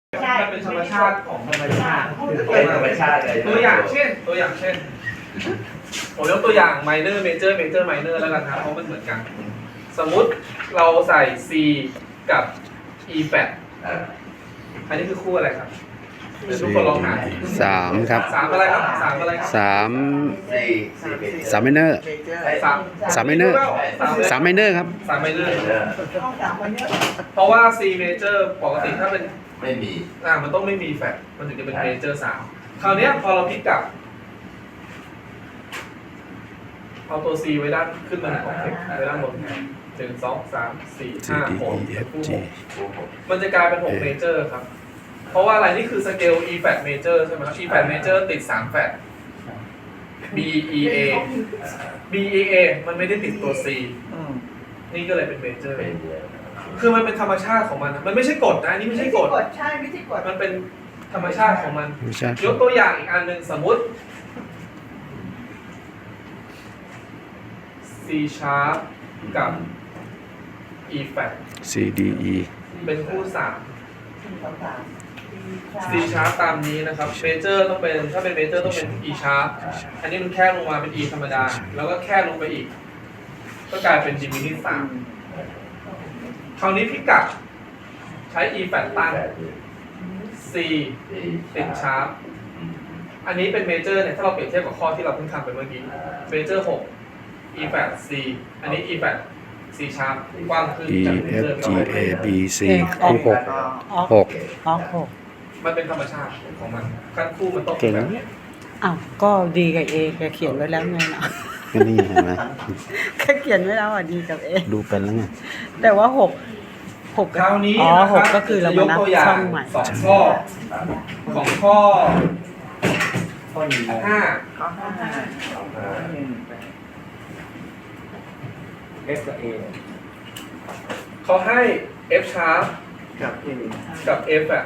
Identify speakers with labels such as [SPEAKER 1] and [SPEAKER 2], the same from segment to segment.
[SPEAKER 1] มันเป็นธรรมชาติของธรรมชาติ
[SPEAKER 2] เป็นธรรมชาติเลย
[SPEAKER 1] ตัวอย่างเช่นผมยกตัวอย่าง minor major major minor แล้วกันครับเพราะมันเหมือนกัน สมมุติเราใส่ C กับ E flat อันนี้คือคู่อะไรครับเดี๋ยวทุกคนลองหา
[SPEAKER 3] สามครับ
[SPEAKER 1] สามอะไรครับสามอะไรครับ
[SPEAKER 3] สาม
[SPEAKER 2] สาม
[SPEAKER 3] ไมเนอร์
[SPEAKER 1] สาม
[SPEAKER 3] ไมเนอร์สามไมเนอร์ครับ
[SPEAKER 1] สาม minor เพราะว่า C major ปกติถ้าเป็น
[SPEAKER 2] ไม่มี
[SPEAKER 1] มันต้องไม่มีแฟลตมันถึงจะเป็น major 3คราวเนี้ยพอเราพลิกกลับเอาตัว C ไว้ด้านขึ้นมาของเทคไว้ด้านบน1 2 3 4
[SPEAKER 3] C D
[SPEAKER 1] 5
[SPEAKER 3] E F G
[SPEAKER 1] 6มันจะกลายเป็น6 major ครับ เพราะว่าอะไรนี่คือสเกล E flat major ใช่ไหมครับ E flat major ติด3แฟลต B E A B E A มันไม่ได้ติดตัว C นี่ก็เลยเป็น major คือมันเป็นธรรมชาติของมันนะมันไม่ใช่กฎนะอันนี่ไม่ใช่กฎ
[SPEAKER 4] ใช่ไม่ใช่กฎ
[SPEAKER 1] มันเป็นธรรมชาติของมัน
[SPEAKER 3] ไม่ใช่
[SPEAKER 1] ยกตัวอย่างอีกอันหนึ่งสมมุติ C sharp กับ E flat
[SPEAKER 3] C D E
[SPEAKER 1] เป็นคู่3
[SPEAKER 4] ต่าง
[SPEAKER 1] C sharp ตามนี้นะครับ major ต้องเป็นถ้าเป็น major ต้องเป็น E sharp อันนี้มันแค่ลงมาเป็น E ธรรมดา แล้วก็แค่ลงไปอีก ก็กลายเป็น diminished 3คราวนี้พิกัดใช้ E flat ตั้ง C ติด sharp อันนี้เป็น major เนี่ยถ้าเราเปรียบเทียบกับข้อที่เราเพิ่งทำไปเมื่อกี้ major 6 E flat C อันนี้ E flat C sharp กว้างขึ้น
[SPEAKER 3] E
[SPEAKER 1] จาก
[SPEAKER 3] F
[SPEAKER 1] major
[SPEAKER 3] G A B C
[SPEAKER 4] ออก
[SPEAKER 3] คู่หก
[SPEAKER 4] ออกหก
[SPEAKER 1] มันเป็นธรรมชาติของมันขั้นคู่มันต้อง
[SPEAKER 3] เก่ง
[SPEAKER 1] แบบ
[SPEAKER 3] นะ
[SPEAKER 1] นี้
[SPEAKER 4] อ้าวก็ดีกับเอแกเขียนไว้แล้วไงเนาะ
[SPEAKER 3] ก็นี่เห็นไหม
[SPEAKER 4] แกเขียนไว้แล้วอ่ะดีกับเอ
[SPEAKER 3] ดูเป็นแล้วไง
[SPEAKER 4] แต่ว่าหก
[SPEAKER 1] คราวนี้
[SPEAKER 4] อ๋อ
[SPEAKER 1] นะค
[SPEAKER 4] ห
[SPEAKER 1] รั
[SPEAKER 4] ก
[SPEAKER 1] บ
[SPEAKER 4] ก็คือเรา
[SPEAKER 1] จะย
[SPEAKER 4] มาก นับ
[SPEAKER 1] ตัวอย่า
[SPEAKER 4] ช่อง งใหม่
[SPEAKER 1] 2ข้อของข้อ 5
[SPEAKER 5] F กับ A
[SPEAKER 1] เขาให้ F sharp
[SPEAKER 5] กับ A
[SPEAKER 1] กับ F อ่ะ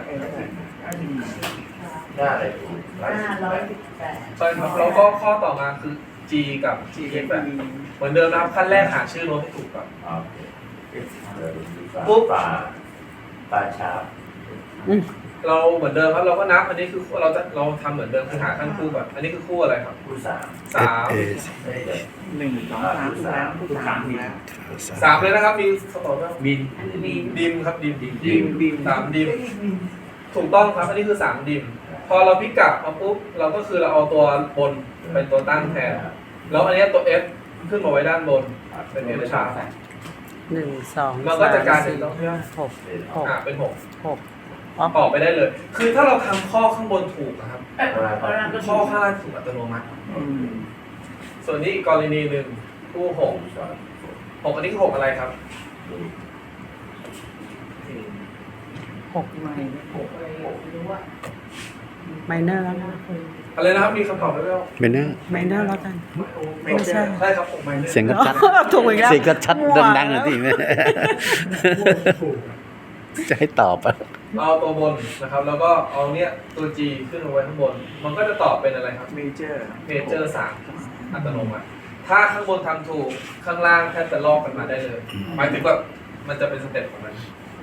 [SPEAKER 2] หน้าอะไรถูก
[SPEAKER 1] ใช่ครับแล้วก็ข้อต่อมาคือ G กับ F อ่ะเหมือนเดิมนะครับขั้นแรกหาชื่อโน้ตให้ถูกก่อน
[SPEAKER 2] ปุ๊บปลาชาบ
[SPEAKER 1] เราเหมือนเดิมครับเราก็นับอันนี้คือเราทำเหมือนเดิมคือหาขั้นคู่ก่อนอันนี้คือคู่อะไรครับ
[SPEAKER 2] ผู้สาม
[SPEAKER 3] F A
[SPEAKER 5] 1 2 3ทุกแล้วทุกสามมีแล้ว
[SPEAKER 1] 3เลยนะครับมีสตอร์
[SPEAKER 5] บิน
[SPEAKER 1] ดิมครับดิม
[SPEAKER 5] บิน
[SPEAKER 1] 3ดิมถูกต้องครับอันนี้คือ3ดิมพอเราพลิกกลับมาปุ๊บเราก็คือเราเอาตัวบนเป็นตัวตั้งแทนแล้วอันนี้ตัว F ขึ้นมาไว้ด้านบนเป็น F sharp
[SPEAKER 4] 1 2
[SPEAKER 1] มันก็จะกลายเป็น
[SPEAKER 4] 3 4 6
[SPEAKER 1] เป็น
[SPEAKER 4] 6
[SPEAKER 1] 6ออกไปได้เลย คือถ้าเราทำข้อข้างบนถูกนะครับข้อข้างล่างถูกอัตโนมัติส่วนนี้อีกกรณีหนึ่งคู่6อันนี้คือ6อะไรครับ
[SPEAKER 4] ไมเนอร์แล้วนะ
[SPEAKER 1] อะไรนะครับมีคำตอบไหมครับ
[SPEAKER 3] ไมเนอร์
[SPEAKER 4] ไมเนอร์แล้วกัน
[SPEAKER 1] ไม่ใช่ใช่ครับ6ไมเนอร์
[SPEAKER 3] เสียงก็ชัด
[SPEAKER 4] ถูกอีกแล้ว
[SPEAKER 3] เสียงก็ชัดดังๆเลยที่แม่จะให้ตอบอ่ะ
[SPEAKER 1] เอาตัวบนนะครับ แล้วก็เอาเนี้ยตัว G ขึ้นมาไว้ข้างบน มันก็จะตอบเป็นอะไรครับ
[SPEAKER 5] เมเจอร์
[SPEAKER 1] Major 3อัตโนมัติถ้าข้างบนทำถูกข้างล่างแทบจะลอกกันมาได้เลยหมายถึงว่ามันจะเป็นสเต็ปของมัน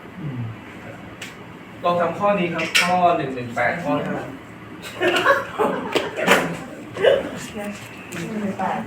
[SPEAKER 1] ลองทำข้อนี้ครับข้อ118ข้อ5